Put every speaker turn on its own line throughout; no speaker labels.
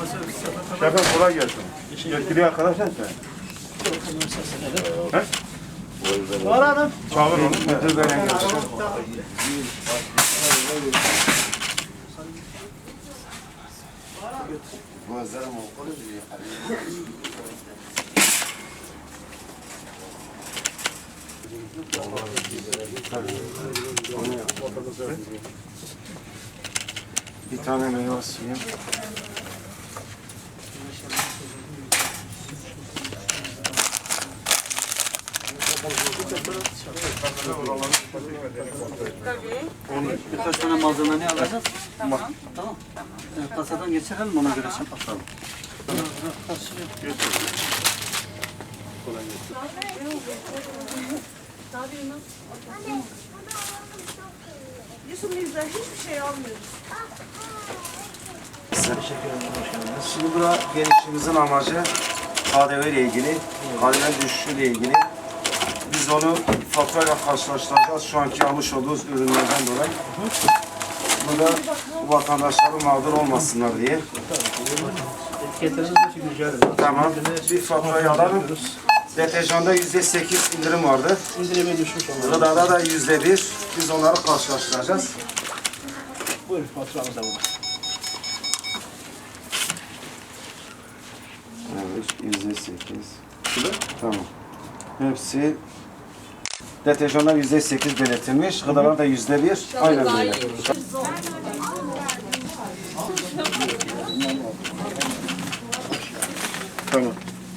Şefim kolay gelsin. Yetkili arkadaş sen. He?
Var hanım.
Çağır onu. Müdür beyle gelsin. Bir tane meyve suyu.
Birkaç tane malzemeyi alacağız. Tamam. Tamam. Kasadan geçirelim ona göre şey bakalım.
Yusuf bizden hiçbir şey almıyoruz.
Şimdi burada gelişimizin amacı KDV ile ilgili, KDV düşüşüyle ilgili. Biz onu faturayla karşılaştıracağız şu anki almış olduğumuz ürünlerden dolayı. Burada vatandaşların mağdur olmasınlar diye. Tamam, bir faturayı alalım. Deterjanda %8 indirim vardı.
İndirime düşmüş onlar.
Gıdada da %1. Biz onları karşılaştıracağız.
Buyurun faturamız da burada.
Evet, %8. Tamam. Hepsi deterjanlar %8 belirtilmiş. Gıdalar da %1. Aynen böyle.
Tamam.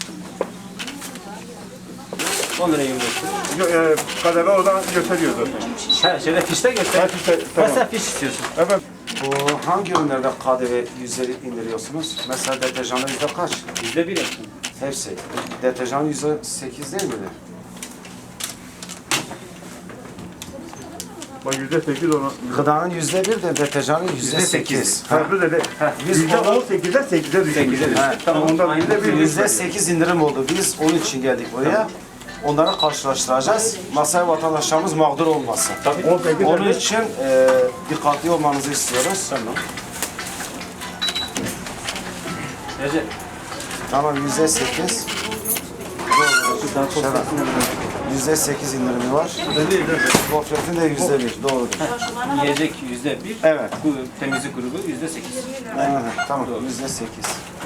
10 lira 25.
Kademe oradan gösteriyor zaten.
Ha, şöyle fişte göster.
Hep işte, tamam.
Mesela fiş istiyorsun.
Evet.
Bu hangi ürünlerde KDV yüzleri indiriyorsunuz? Mesela deterjanlar yüzde kaç?
%1 yapsın.
Hepsi. Deterjan %8 değil miydi?
Bak %8 ona.
Gıdanın %1 de deterjanın %8.
Farklı dedi.
Biz
%18'den 8'e düşmüş.
Tamam.
Ondan %1
%8 indirim oldu. Biz onun için geldik buraya. Onları karşılaştıracağız. Masaya vatandaşlarımız mağdur olmasın.
18
Onun için dikkatli olmanızı istiyoruz.
Tamam. Recep.
Tamam %8. %8 indirimi var. Gofretin de %1. Doğrudur.
Yiyecek %1.
Evet.
Bu temizlik grubu %8.
Evet, tamam. %8.